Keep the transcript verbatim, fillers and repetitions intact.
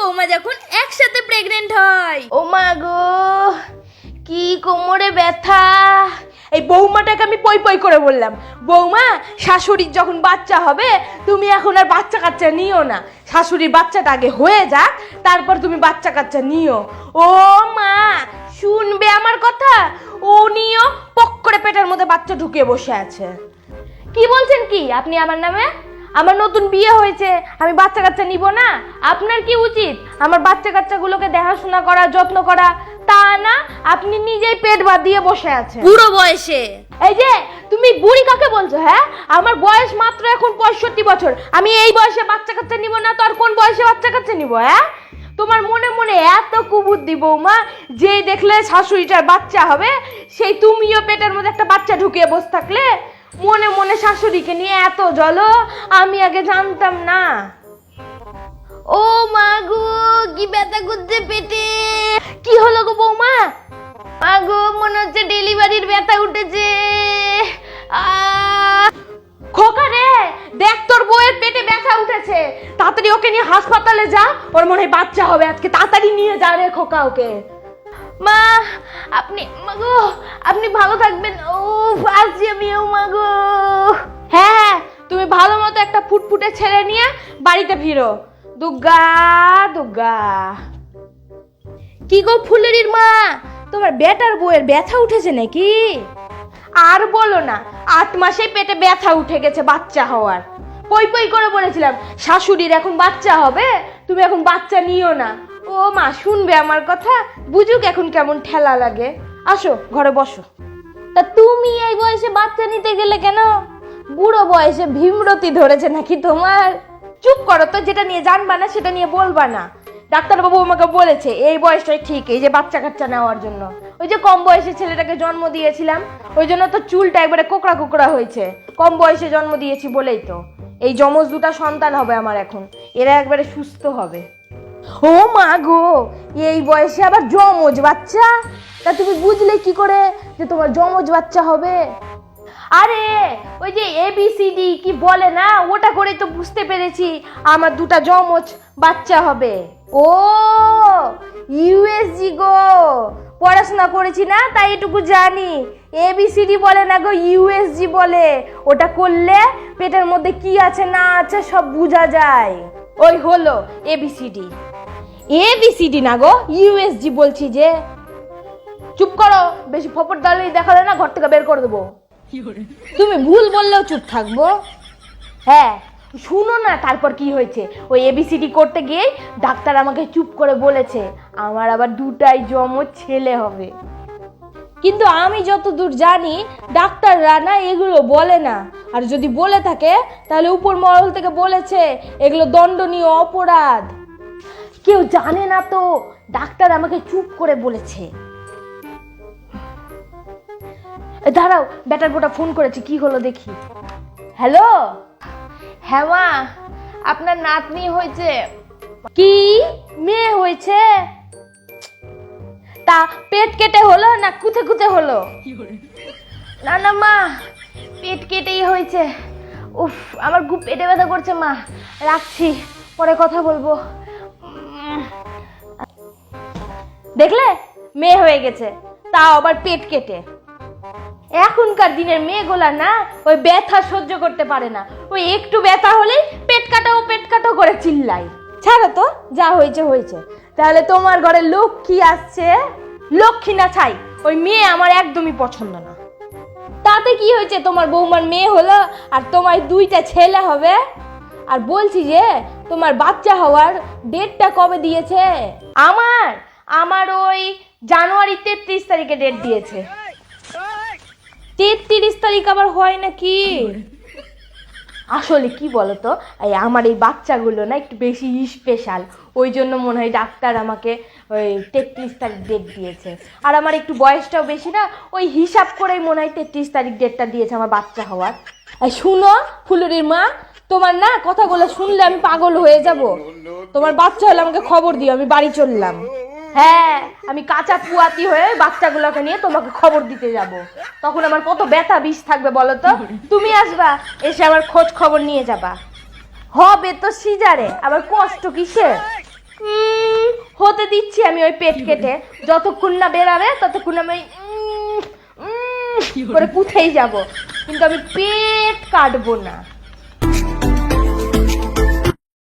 বৌমা যখন একসাথে প্রেগনেন্ট হয়। ও মা গো, কি কোমরে ব্যথা। এই বৌমাটাকে আমি পই পই করে বললাম, বৌমা শাশুড়ির যখন বাচ্চা হবে তুমি এখন আর বাচ্চা কাচ্চা নিও না, শাশুড়ির বাচ্চাটা আগে হয়ে যাক তারপর তুমি বাচ্চা কাচ্চা নিও। ও মা শুনবে আমার কথা, ও নিও পক করে পেটের মধ্যে বাচ্চা ঢুকিয়ে বসে আছে। কি বলছেন কি আপনি আমার নামে? আমার নতুন বিয়ে হয়েছে, আমি বাচ্চা কাচ্চা নিব না? আপনার কি উচিত আমার বাচ্চা কাচ্চাগুলোকে দেখাশোনা করা, যত্ন করা? তা না, আপনি নিজেই পেট বাঁধিয়ে বসে আছেন বুড়ো বয়সে। এই যে তুমি বুড়ি কাকে বলছো? হ্যাঁ, আমার বয়স মাত্র এখন পঁয়ষট্টি বছর, আমি এই বয়সে বাচ্চা কাচ্চা নিব না তো আর কোন বয়সে বাচ্চা কাচ্চা নিব? হ্যাঁ, তোমার মনে মনে এত কুবুদ্ধি বৌমা, যে দেখলে শাশুড়িটার বাচ্চা হবে সেই তুমিও পেটের মধ্যে একটা বাচ্চা ঢুকিয়ে বসে থাকলে, মনে মনে শাশুড়িকে নিয়ে এত জ্বলো, আমি আগে জানতাম না। ও মা গো, কি ব্যথা করছে পেটে। কি হলো গো বৌমা? মা গো, মনে হচ্ছে ডেলিভারির ব্যথা উঠেছে। খোকা রে, দেখ তোর বউয়ের পেটে ব্যথা উঠেছে, তাড়াতাড়ি ওকে নিয়ে হাসপাতালে যা, ওর মনে হয় বাচ্চা হবে আজকে, তাড়াতাড়ি নিয়ে যা রে খোকা ওকে। মা আপনি, মা গো আপনি ভালো থাকবেন। ও আসছি আমি। ও মা গো, হ্যাঁ হ্যাঁ, তুমি ভালো মতো একটা ফুটফুটে ছেলে নিয়ে বাড়িতে ফিরো। দুর্গা দুর্গা। কি গো ফুলেরির মা, তোমার বেটার বউয়ের ব্যথা উঠেছে নাকি? আর বলো না, আট মাসে পেটে ব্যথা উঠে গেছে বাচ্চা হওয়ার। পই পই করে বলেছিলাম শাশুড়ির এখন বাচ্চা হবে, তুমি এখন বাচ্চা নিও না। ও মা শুনবে আমার কথা, বুঝুক এখন কেমন ঠেলা লাগে। আসো ঘরে বসো। তা তুমি এই বয়সে বাচ্চা নিতে গেলে কেন? বুড়ো বয়সে ভীমরতি ধরেছে নাকি তোমার? চুপ করো তো, যেটা নিয়ে জানবা না সেটা নিয়ে বলবা না। ডাক্তারবাবু আমাকে বলেছে এই বয়সটাই ঠিক এই যে বাচ্চা কাচ্চা নেওয়ার জন্য। ওই যে কম বয়সে ছেলেটাকে জন্ম দিয়েছিলাম, ওই জন্য তো চুলটা একবারে কোকড়া কোকড়া হয়েছে, কম বয়সে জন্ম দিয়েছি বলেই তো। এই যমজ দুটা সন্তান হবে আমার এখন, এরা একবারে সুস্থ হবে। ও মা গো, এই বয়সে আবার যমজ বাচ্চা? তা তুমি বুঝলে কি করে যে তোমার যমজ বাচ্চা হবে? আরে ওই যে এ বি সি ডি কি বলে না, ওটা করেই তো বুঝতে পেরেছি আমার দুটা যমজ বাচ্চা হবে। ও ইউএসজি গো, পড়াশোনা করেছি না তাই এটুকু জানি। এ বি সি ডি বলে না গো, ইউএসজি বলে। ওটা করলে পেটের মধ্যে কি আছে না আছে সব বোঝা যায়। ওই হলো A B C D. A B C D না গো, ইউএসজি বলছি যে। চুপ করো, বেশি ফপর দালি দেখালে না ঘর থেকে বের করে দেবো। তুমি ভুল বললেও চুপ থাকবো? হ্যাঁ শুনো না, তারপর কি হয়েছে। ওই এবিসিডি করতে গিয়ে ডাক্তার আমাকে চুপ করে বলেছে আমার আবার দুটাই যমজ ছেলে হবে। কিন্তু আমি যতদূর জানি ডাক্তাররা না এগুলো বলে না, আর যদি বলে থাকে তাহলে উপর মহল থেকে বলেছে এগুলো দণ্ডনীয় অপরাধ। কেউ জানে না তো, ডাক্তার আমাকে চুপ করে বলেছে। দাঁড়াও, ব্যাটার বোটা ফোন করেছে, কি হলো দেখি। হ্যালো, হ্যাঁ মা, আপনার নাতনি হয়েছে। কি মেয়ে হয়েছে? তা পেট কেটে হলো না কুথে কুথে হলো? না না মা, পেট কেটেই হয়েছে। উফ, আমার খুব পেটে ব্যথা করছে মা, রাখছি, পরে কথা বলবো। দেখলে মেয়ে হয়ে গেছে, তাও আবার পেট কেটে। এখনকার দিনের মেয়েগুলা না ওই ব্যথা সহ্য করতে পারে না, ওই একটু ব্যথা হলেই পেট কাটাও পেট কাটাও করে চিল্লাই। ছাড়ো তো, যা হয়েছে হয়েছে। তাহলে তোমার ঘরে লক্ষ্মী আসছে, লক্ষ্মী না ছাই, ওই মেয়ে আমার একদমই পছন্দ না। তাতে কি হয়েছে, তোমার বৌমার মেয়ে হলো আর তোমার দুইটা ছেলে হবে। আর বলছি যে তোমার বাচ্চা হওয়ার ডেটটা কবে দিয়েছে? আমার আমার ওই জানুয়ারি তেত্রিশ তারিখে ডেট দিয়েছে। তেত্রিশ তারিখ আবার হয় নাকি? আসলে কি বলতো, এই আমার এই বাচ্চাগুলো না একটু বেশি স্পেশাল, ওই জন্য মনে হয় ডাক্তার আমাকে ওই তেত্রিশ তারিখ ডেট দিয়েছে। আর আমার একটু বয়সটাও বেশি না, ওই হিসাব করেই মনে হয় তেত্রিশ তারিখ ডেটটা দিয়েছে আমার বাচ্চা হওয়ার। এই শুনো ফুলুরির মা, তোমার না কথাগুলো শুনলে আমি পাগল হয়ে যাব। তোমার বাচ্চা হলে আমাকে খবর দিও, আমি বাড়ি চললাম। হ্যাঁ, আমি কাঁচা পুয়াতি হয়ে বাচ্চাগুলোকে নিয়ে তোমাকে খবর দিতে যাব। তখন আমার কত ব্যথা বিষ থাকবে বলো তো। তুমি আসবা, এসে আমার খোঁজ খবর নিয়ে যাবা। হবে তো সিজারে, আবার কষ্ট কিসে? হতে দিচ্ছি আমি ওই পেট কেটে, যতক্ষণ না বেরাবে ততক্ষণ আমি ওই উম, উম করে কুথেই যাব, কিন্তু আমি পেট কাটবো না।